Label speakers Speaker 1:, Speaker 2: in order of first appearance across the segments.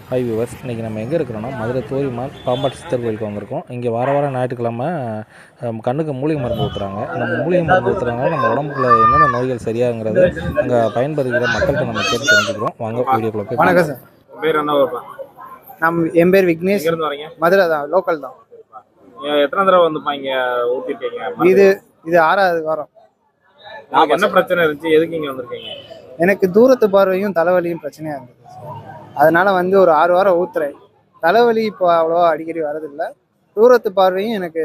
Speaker 1: Hi viewers, இன்றைக்கி நம்ம எங்கே இருக்கிறோன்னா மதுரை தோரிமால் பாம்பாட்டு சித்தர் கோயிலுக்கு வந்திருக்கோம். இங்கே வாரம் ஞாயிற்றுக்கிழமை கண்ணுக்கு மூலிகை மருந்து ஊற்றுறாங்க. நம்ம மூலிகை மருந்து ஊற்றுறதுனால நம்ம உடம்புக்குள்ள என்னென்ன நோய்கள் சரியாகிறது அங்கே பயன்படுகிற மக்கள்கிட்ட நம்ம கேட்டு தெரிஞ்சுக்கிறோம். வாங்க வீடியோக்குள்ள போய்.
Speaker 2: வணக்கம் சார்.
Speaker 3: பேர் என்ன?
Speaker 2: என் பேர் விக்னேஷ்.
Speaker 3: எங்க இருந்து வரீங்க?
Speaker 2: மதுரை தான், லோக்கல் தான்.
Speaker 3: எத்தனை தடவை வந்து இங்க ஊத்திருக்கீங்க?
Speaker 2: இது 6வது வாரம்.
Speaker 3: என்ன பிரச்சனை இருந்துச்சு? எதுக்கு இங்க வந்திருக்கீங்க?
Speaker 2: எனக்கு தூரத்து பார்வையும் தலைவலியும் பிரச்சனையா இருந்தது. அதனால வந்து ஒரு 6 வாரம் ஊத்துறேன். தலைவலி இப்போ அவ்வளோவா அடிக்கடி வரதில்லை. தூரத்து பார்வையும் எனக்கு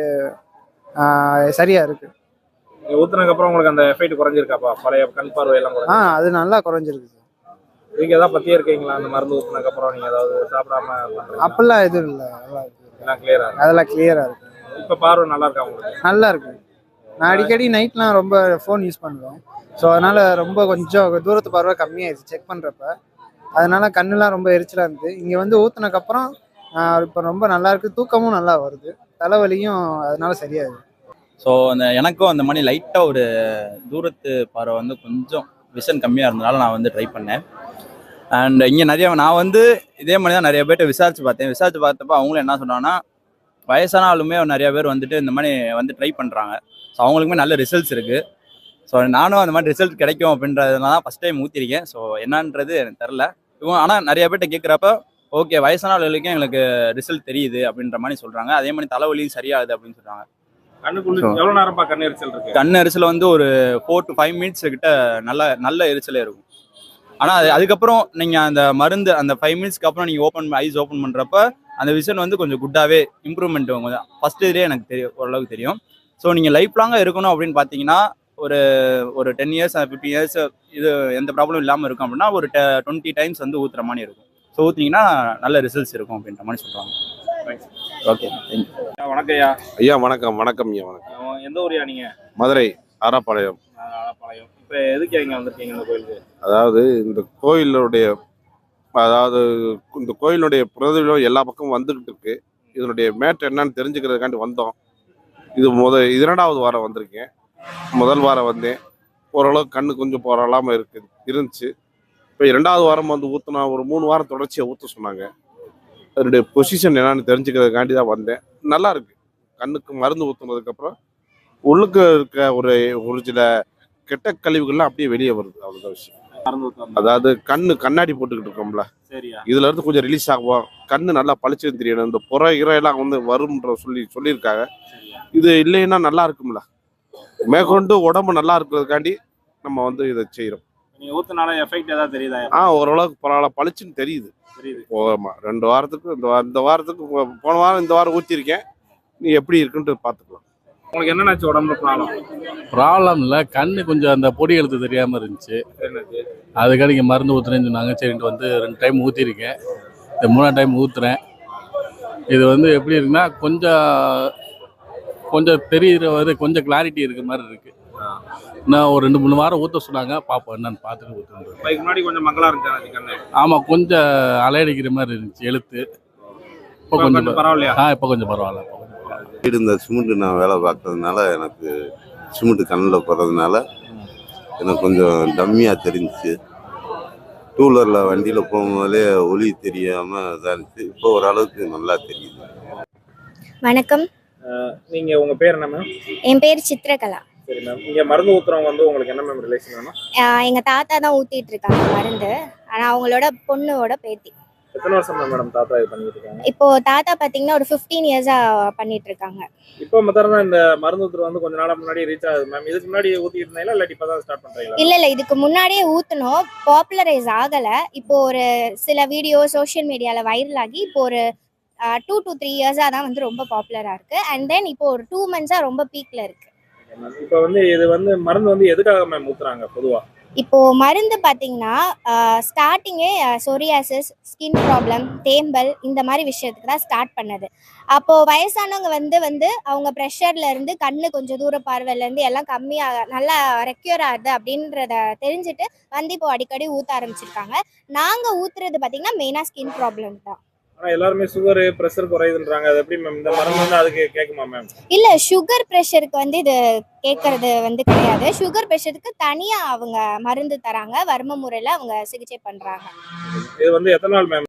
Speaker 2: சரியா இருக்கு.
Speaker 3: ஊத்துனதுக்கு அப்புறம் உங்களுக்கு அந்த எஃபெக்ட் குறைஞ்சிருக்காப்பா? பழைய கண் பார்வை எல்லாம்
Speaker 2: அது நல்லா குறைஞ்சிருக்கு சார்.
Speaker 3: நீங்க ஏதாவது பத்தியே இருக்கீங்களா? அந்த மருந்து ஊத்துனதுக்கு அப்புறம் நீங்க ஏதாவது சாப்பிடாம
Speaker 2: அப்பெல்லாம் எதுவும் இல்லை.
Speaker 3: எல்லாம் கிளியரா?
Speaker 2: அதெல்லாம் கிளியரா இருக்கு.
Speaker 3: இப்ப பார்வை நல்லா இருக்கா உங்களுக்கு?
Speaker 2: நல்லா இருக்கு. நான் அடிக்கடி நைட்லாம் ரொம்ப ஃபோன் யூஸ் பண்ணுவேன். ஸோ அதனால ரொம்ப கொஞ்சம் தூரத்து பார்வை கம்மியாயிடுச்சு செக் பண்ணுறப்ப. அதனால கண்ணுலாம் ரொம்ப எரிச்சலாக இருந்தது. இங்கே வந்து ஊற்றுனதுக்கப்புறம் இப்போ ரொம்ப நல்லா இருக்கு. தூக்கமும் நல்லா வருது. தலைவலியும் அதனால சரியாகுது.
Speaker 4: ஸோ அந்த எனக்கும் அந்த மாதிரி லைட்டாக ஒரு தூரத்து பார்வை வந்து கொஞ்சம் விஷன் கம்மியாக இருந்தனால நான் வந்து ட்ரை பண்ணேன். அண்ட் இங்கே நான் வந்து இதே மாதிரி தான் நிறைய பேர்ட்ட விசாரிச்சு பார்த்தப்ப அவங்களும் என்ன சொன்னாங்கன்னா, வயசான ஆளுமே நிறைய பேர் வந்துட்டு இந்த மாதிரி வந்து ட்ரை பண்ணுறாங்க. ஸோ அவங்களுக்குமே நல்ல ரிசல்ட்ஸ் இருக்குது. ஸோ நானும் அந்த மாதிரி ரிசல்ட் கிடைக்கும் அப்படின்றதுனால தான் ஃபஸ்ட் டைம் ஊற்றிருக்கேன். ஸோ என்னன்றது எனக்கு தெரில. ஆனால் நிறைய பேர்ட்ட கேட்குறப்ப ஓகே, வயசான ஆளுகளுக்கும் எங்களுக்கு ரிசல்ட் தெரியுது அப்படின்ற மாதிரி சொல்கிறாங்க. அதே மாதிரி தலைவலியும் சரியாகுது அப்படின்னு சொல்கிறாங்க.
Speaker 3: கண்ணுக்குள்ள எவ்வளோ நேரம்ப்பா கண் எரிச்சல் இருக்கு?
Speaker 4: கண் எரிச்சல் வந்து ஒரு 4 to 5 minutes கிட்ட நல்ல எரிச்சலே இருக்கும். ஆனால் அதுக்கப்புறம் நீங்கள் அந்த மருந்து அந்த 5 minutesக்கு அப்புறம் நீங்கள் ஐஸ் ஓப்பன் பண்ணுறப்ப அந்த விஷன் வந்து கொஞ்சம் குட்டாகவே இம்ப்ரூவ்மெண்ட் கொஞ்சம் ஃபஸ்ட்டு இதுலேயே எனக்கு ஓரளவுக்கு தெரியும். ஸோ நீங்கள் லைஃப் லாங்காக இருக்கணும் அப்படின்னு பார்த்தீங்கன்னா ஒரு 10 years 15 years இது எந்த ப்ராப்ளம் இல்லாமல் இருக்கும் அப்படின்னா ஒரு 20 times வந்து ஊற்றுற மாதிரி இருக்கும். ஸோ ஊற்றுனீங்கன்னா நல்ல ரிசல்ட்ஸ் இருக்கும் அப்படின்ற மாதிரி சொல்கிறாங்க. Okay, thank you.
Speaker 3: வணக்கம் ஐயா.
Speaker 5: ஐயா வணக்கம். வணக்கம் ஐயா. வணக்கம்.
Speaker 3: எந்த ஊரியா நீங்க?
Speaker 5: மதுரை ஆராப்பாளையம்.
Speaker 3: இப்போ எதுக்கு இங்க வந்திருக்கீங்க இந்த கோயிலுக்கு?
Speaker 5: அதாவது இந்த கோயிலுடைய பிரதிபலம் எல்லா பக்கமும் வந்துகிட்டு இருக்கு. இதனுடைய மேட்டர் என்னன்னு தெரிஞ்சுக்கிறதுக்காண்டி வந்தோம். இது 2வது வாரம் வந்திருக்கேன். முதல் வாரம் வந்தேன், ஓரளவுக்கு கண்ணு கொஞ்சம் போராளாமல் இருந்துச்சு. இப்போ 2வது வாரம் வந்து ஊற்றினா ஒரு 3 வாரம் தொடர்ச்சியாக ஊற்ற சொன்னாங்க. அதனுடைய பொசிஷன் என்னன்னு தெரிஞ்சுக்கிறதுக்காண்டி தான் வந்தேன். நல்லா இருக்கு. கண்ணுக்கு மருந்து ஊற்றுனதுக்கப்புறம் உள்ளுக்கு இருக்க ஒரு சில கெட்ட கழிவுகள்லாம் அப்படியே வெளியே வருது. அவ்வளோதான் விஷயம். அதாவது கண்ணாடி போட்டுக்கிட்டு இருக்கோம்ல, இதுல இருந்து கொஞ்சம் ரிலீஸ் ஆகும். கண்ணு நல்லா பளிச்சுன்னு தெரியணும். இந்த புற இறையெல்லாம் வந்து வரும்ன்ற சொல்லியிருக்காங்க. இது இல்லைன்னா நல்லா இருக்கும்ல, மேற்கொண்டு உடம்பு நல்லா இருக்கிறதுக்காண்டி நம்ம வந்து இதை செய்யறோம்.
Speaker 3: நீங்க ஊத்துனால எஃபெக்ட் ஏதாவது தெரியுதா?
Speaker 5: ஓரளவுக்கு பரவாயில்ல, பளிச்சுன்னு தெரியுது. போகமா 2 வாரத்துக்கு இந்த வாரத்துக்கு போன வாரம் இந்த வாரம் ஊற்றிருக்கேன். நீ எப்படி இருக்குன்ட்டு பார்த்துக்கலாம்.
Speaker 3: உங்களுக்கு என்னன்னாச்சு உடம்புல
Speaker 6: ப்ராப்ளம் இல்லை, கண்ணு கொஞ்சம் அந்த பொடி எழுத்து தெரியாமல் இருந்துச்சு. அதுக்காக இங்கே மருந்து ஊற்றுறேன்னு சொன்னாங்க. சரின்ட்டு வந்து 2 டைம் ஊற்றிருக்கேன். இந்த 3ஆவது டைம் ஊற்றுறேன். இது வந்து எப்படி இருக்குன்னா கொஞ்சம் தெரியுற கொஞ்சம் கிளாரிட்டி இருக்க மாதிரி இருக்கு. நான் ஒரு 2-3 வாரம் ஊற்ற சொன்னாங்க. பார்ப்போம் என்னன்னு பார்த்துட்டு ஊற்றுறேன்.
Speaker 3: முன்னாடி கொஞ்சம் மங்களா இருந்துச்சு.
Speaker 6: ஆமாம், கொஞ்சம் அலையடிக்கிற மாதிரி இருந்துச்சு எழுத்து. இப்போ கொஞ்சம்
Speaker 3: பரவாயில்லையா?
Speaker 6: இப்போ கொஞ்சம் பரவாயில்ல.
Speaker 7: இந்த சிமெண்ட் நான் வேலை பார்க்கறதுனால எனக்கு சிமெண்ட் கண்ணில் போடுறதுனால எனக்கு கொஞ்சம் டம்மியாக தெரிஞ்சிச்சு. 2 வீலரில் வண்டியில் போகும்போதே ஒளி தெரியாமல் இதாக இருந்துச்சு. இப்போ ஓரளவுக்கு நல்லா தெரியுது.
Speaker 8: வணக்கம்.
Speaker 3: நீங்க உங்க பேர் என்ன மேம்?
Speaker 8: என் பேர் சித்ரகலா.
Speaker 3: சரி மேம். இங்க மருந்து ஊத்துறவங்க வந்து உங்களுக்கு என்ன மேம் ரிலேஷன் வேணும்?
Speaker 8: எங்க தாத்தா தான் ஊத்திட்டு இருக்காங்க மருந்து. ஆனா அவங்களோட பொண்ணோட பேத்தி.
Speaker 3: எத்தனை வருஷம் மேடம் தாத்தா இது பண்ணிட்டு இருக்காங்க?
Speaker 8: இப்போ தாத்தா பாத்தீங்கன்னா ஒரு 15 years-ஆ பண்ணிட்டு இருக்காங்க.
Speaker 3: இப்போ மத்தறதா இந்த மருந்து ஊத்துற வந்து கொஞ்ச நாளா முன்னாடி ரீச் ஆகுது மேம். இதுக்கு முன்னாடி ஊத்திட்டு இருந்தீங்களா இல்ல இப்பதான் ஸ்டார்ட் பண்றீங்களா?
Speaker 8: இல்ல இதுக்கு முன்னாடியே ஊத்துனோம், பாப்புலரைஸ் ஆகல. இப்போ ஒரு சில வீடியோ சோஷியல் மீடியால வைரல் ஆகி இப்போ ஒரு 2 to 3 years-ஆ தான் வந்து ரொம்ப பாப்புலரா இருக்கு. அண்ட் தென் இப்போ ஒரு 2 months-ஆ ரொம்ப பீக்ல இருக்கு.
Speaker 3: இப்போ வந்து இது வந்து மருந்து வந்து எதுக்காக மேம் ஊத்துறாங்க பொதுவா?
Speaker 8: இப்போ மருந்து பாத்தீங்கன்னா ஸ்டார்டிங்கே சொரியாசிஸ், ஸ்கின் ப்ராப்ளம், தேம்பல் இந்த மாதிரி விஷயத்துக்கு தான் ஸ்டார்ட் பண்ணது. அப்போ வயசானவங்க வந்து அவங்க ப்ரெஷர்ல இருந்து கண்ணு கொஞ்சம் தூர பார்வையில இருந்து எல்லாம் கம்மியாக நல்லா ரெக்யூர் ஆகுது அப்படின்றத தெரிஞ்சுட்டு வந்து இப்போ அடிக்கடி ஊத்த ஆரம்பிச்சிருக்காங்க. நாங்க ஊத்துறது பாத்தீங்கன்னா மெயினா ஸ்கின் ப்ராப்ளம் தான்.
Speaker 3: ஆனா எல்லாரும் சுகர் பிரஷர் குறையுதுன்றாங்க. அது எப்படி மேம்? இந்த மருந்து வந்து அதுக்கு கேக்குமா மேம்?
Speaker 8: இல்ல, சுகர் பிரஷருக்கு வந்து இது கேட்கறது வந்து கிடையாது. சுகர் பிரஷருக்கு தனியா அவங்க மருந்து தராங்க. வர்ம முறையில அவங்க சிகிச்சை பண்றாங்க.
Speaker 3: இது வந்து எத்தனை நாள் மேம்